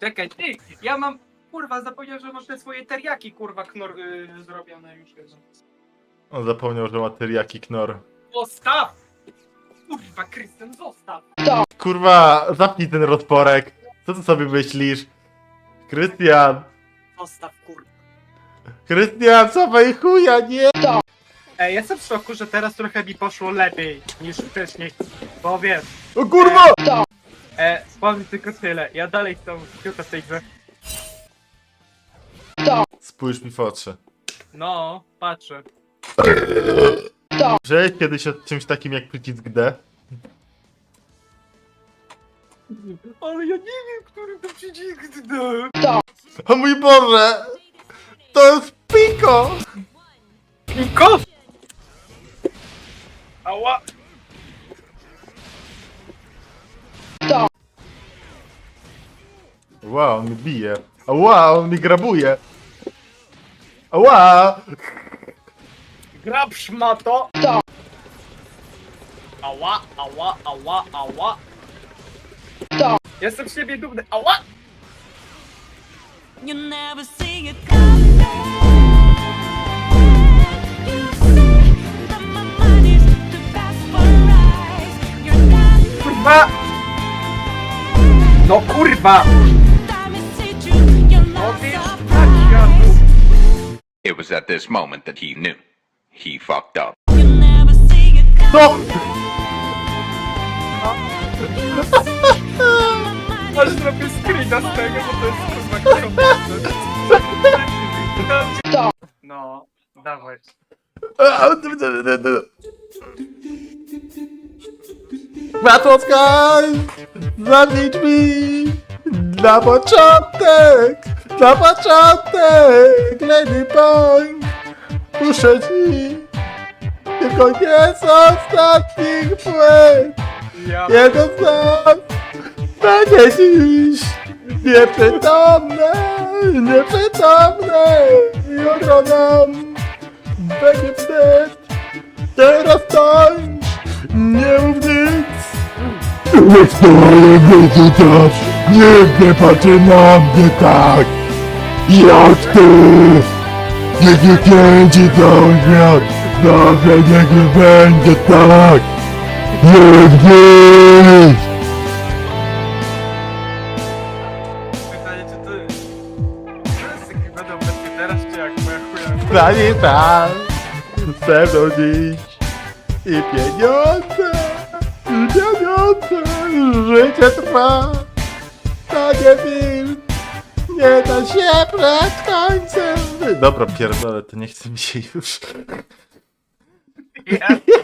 Czekaj, ty, ja mam, kurwa, zapomniałem, że masz te swoje teriaki, kurwa, knor zrobione już. On zapomniał, że ma teriyaki knor. Zostaw! Kurwa, Krystian, zostaw! Kurwa, zapnij ten rozporek. Co ty sobie myślisz? Krystian! Zostaw, kurwa. Krystian, cofaj chuja, nie! Ej, jestem w szoku, że teraz trochę mi poszło lepiej niż wcześniej, bo wiesz, O kurwa! powiem tylko tyle, ja dalej chcę piłkę w tej grze. Spójrz mi w oczy. No, patrzę. Że kiedyś o czymś takim jak przycisk D? Ale ja nie wiem, który to przycisk O mój Boże! To jest Piko! Piko! Ała! Wow, on mi bije. Wow, on mi grabuje. Ała! Grab szmato! Ała, ała, ała, ała! Jestem z siebie dumny, ała! You never see it coming. You say that my mind is too fast for eyes. You're not Kurwa! No kurwa! time to see you. You're No not wiesz, surprised. tak, Janu. It was at this moment that he knew. He fucked up. You never see it coming. No! You say that my mind Aż zrobię screena z tego, bo to jest kurwa kierowca. No, dawaj. Matocka! Zamknij drzwi! Na początek! Na początek! Lady Pong! Puszczę ci! Tylko nie z ostatnich płyn! Ja Jeden z nas będzie dziś nieprzytomny! Nieprzytomny! Jutro nam będzie wstyd! Teraz tańcz! Nie mów nic! Nie stoję wyczytać! Nikt nie patrzy na mnie tak! Jak ty! Nikt nie kręci cały świat! Zawsze niech nie będzie tak! Nigdy! pytanie, czy ty... Wszyscy będą będzie teraz, czy jak moja chuja? Stanie tam! Ze mną dziś! I pieniądze! I pieniądze! Życie trwa! To nie film! Nie da się przed końcem! Dobra, pierdolę, to nie chce mi się już. Ja